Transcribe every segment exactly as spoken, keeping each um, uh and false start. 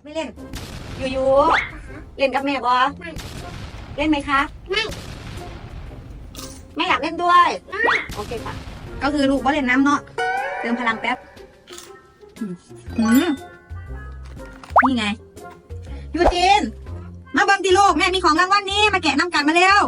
ไม่เล่นยูยูเล่นกับแม่บอไม่เล่นไหมคะไม่ไม่อยากเล่นด้วยโอเคค่ะก็คือลูกว่าเล่นน้ำเนาะเติมพลังแป๊บอืมนี่ไงยูจีนมาเบิ้มดิลูกแม่มีของรางวัลนี้มาแกะน้ำกันมาเร็ว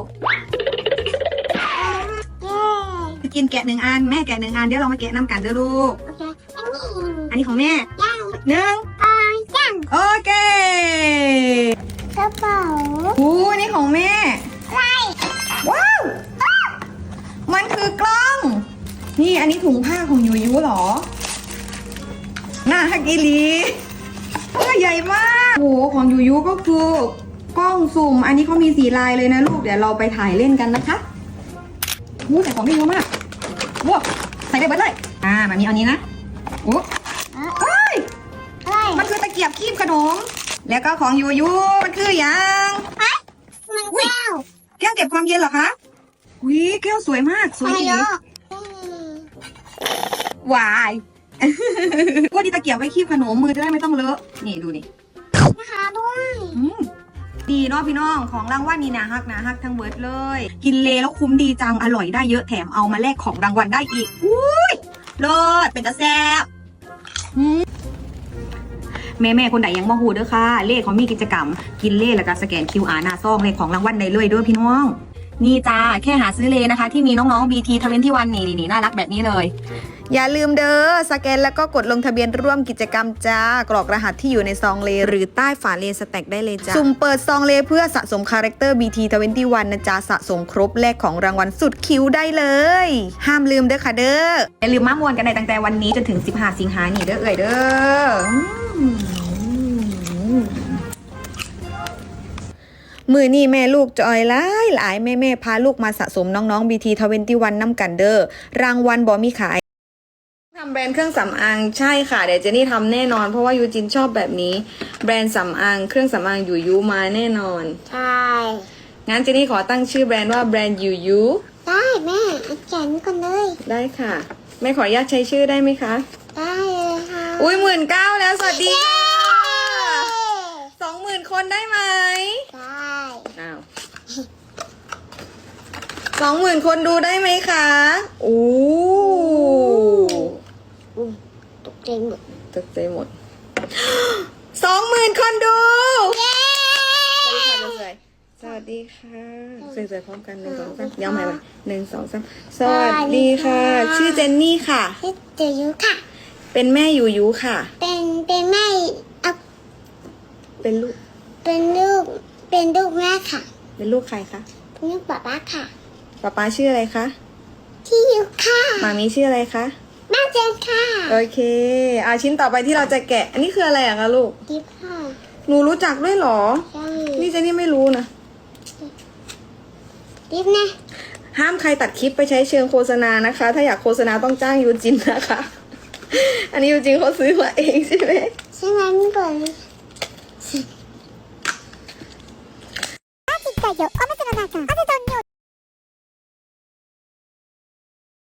ยูจีนแกะหนึ่งอันแม่แกะหนึ่งอันเดี๋ยวเรามาแกะน้ำกันเด้อลูกอันนี้ของแม่หนึ่งโอเคกระเป๋าอู้นี่ของแม่อะไรว้าวมันคือกล้องนี่อันนี้ถุงผ้าของยูยูเหรอน่าฮักอีหลีตัวใหญ่มากโอ้โหของยูยูก็คือกล้องซูมอันนี้เขามีสีลายเลยนะลูกเดี๋ยวเราไปถ่ายเล่นกันนะคะโอ้ใส่ของได้เยอะมากว้าวใส่ได้เบิดเลยอ่ามันมีเอานี้นะโอ้เฮ้ยมันคือตะเกียบคีบขนมแล้วก็ของยูยูมันคืออย่างมันแก้วแก้วเก็บความเย็นเหรอคะวิแก้วสวยมากสวยจริงวายว่าดีตะเกียบไว้คีบขนมมือจะได้ไม่ต้องเลอะนี่ดูนี่นะคะด้วยดีเนาะพี่น้องของรางวัลนี่นะฮักนะฮักทั้งเบิร์ดเลยกินเลแล้วคุ้มดีจังอร่อยได้เยอะแถมเอามาแลกของรางวัลได้อีกอุ้ยเลิศเป็นตาแซ่บแม่แม่คนไหนยังบ่ฮู้เด้อค่ะเลขเขามีกิจกรรมกินเลขแล้วก็สแกน คิว อาร์ หน้าซองเลขของรางวัลได้เลยด้วยพี่น้องนี่จ้าแค่หาซื้อเลนะคะที่มีน้องๆ บี ที ทเวนตี้วันนี่นี่น่ารักแบบนี้เลยอย่าลืมเด้อสแกนแล้วก็กดลงทะเบียนร่วมกิจกรรมจ้ากรอกรหัสที่อยู่ในซองเลหรือใต้ฝาเลสแต็กได้เลยจ้าสุ่มเปิดซองเลเพื่อสะสมคาแรคเตอร์ บี ที ทเวนตี้วันนะจ้าสะสมครบแลกของรางวัลสุดคิ้วได้เลยห้ามลืมเด้อค่ะเด้ออย่าลืมมามวนกันในตั้งแต่วันนี้จนถึงสิบห้าสิงหาคมนี่เด้อเอ่ยเด้อมือนี่แม่ลูกจอยหลายหลายแม่แม่พาลูกมาสะสมน้องๆ บี ที ทเวนตี้วันน้ำกันเด้อรางวัลบอมีขายทำแบรนด์เครื่องสำอางใช่ค่ะเดี๋ยวเจนนี่ทำแน่นอนเพราะว่ายูจินชอบแบบนี้แบรนด์สำอางเครื่องสำอางยูยูมาแน่นอนใช่งั้นเจนนี่ขอตั้งชื่อแบรนด์ว่าแบรนด์ยูยูได้แม่เขียนก่อนเลยได้ค่ะแม่ขออนุญาตใช้ชื่อได้ไหมคะได้เลยค่ะอุ้ยหมื่นเก้าแล้วสวัสดีค่ะสองหมื่นคนได้ไหมได้อ้าวสองหมื่นคนดูได้ไหมคะโอ้ตกใจหมดตกใจหมดสองหมื่นคนดูเย้สวัสดีค่ะสวยๆพร้อมกันหนึ่งสองสามย้ำใหม่ไปหนึ่งสองสามสวัสดีค่ะชื่อเจนนี่ค่ะชื่อเจยุค่ะเป็นแม่ยูยูค่ะเป็นเป็นแม่เอาเป็นลูกเป็นลูกเป็นลูกแม่ค่ะเป็นลูกใครคะเป็นลูกป๊าป๊าค่ะป๊าป๊าชื่ออะไรคะที่ยูค่ะมามีชื่ออะไรคะแม่เจนค่ะโอเคอาชิ้นต่อไปที่เราจะแกะอันนี้คืออะไรอะคะลูกดิบค่ะหนูรู้จักด้วยหรอใช่นี่เจนนี่ไม่รู้นะดิบนะห้ามใครตัดคลิปไปใช้เชิงโฆษณานะคะถ้าอยากโฆษณาต้องจ้างยูจินนะคะอันนี้ยูจินเขาซื้อมาเองใช่ไหมใช่ไหมไม่ก่อน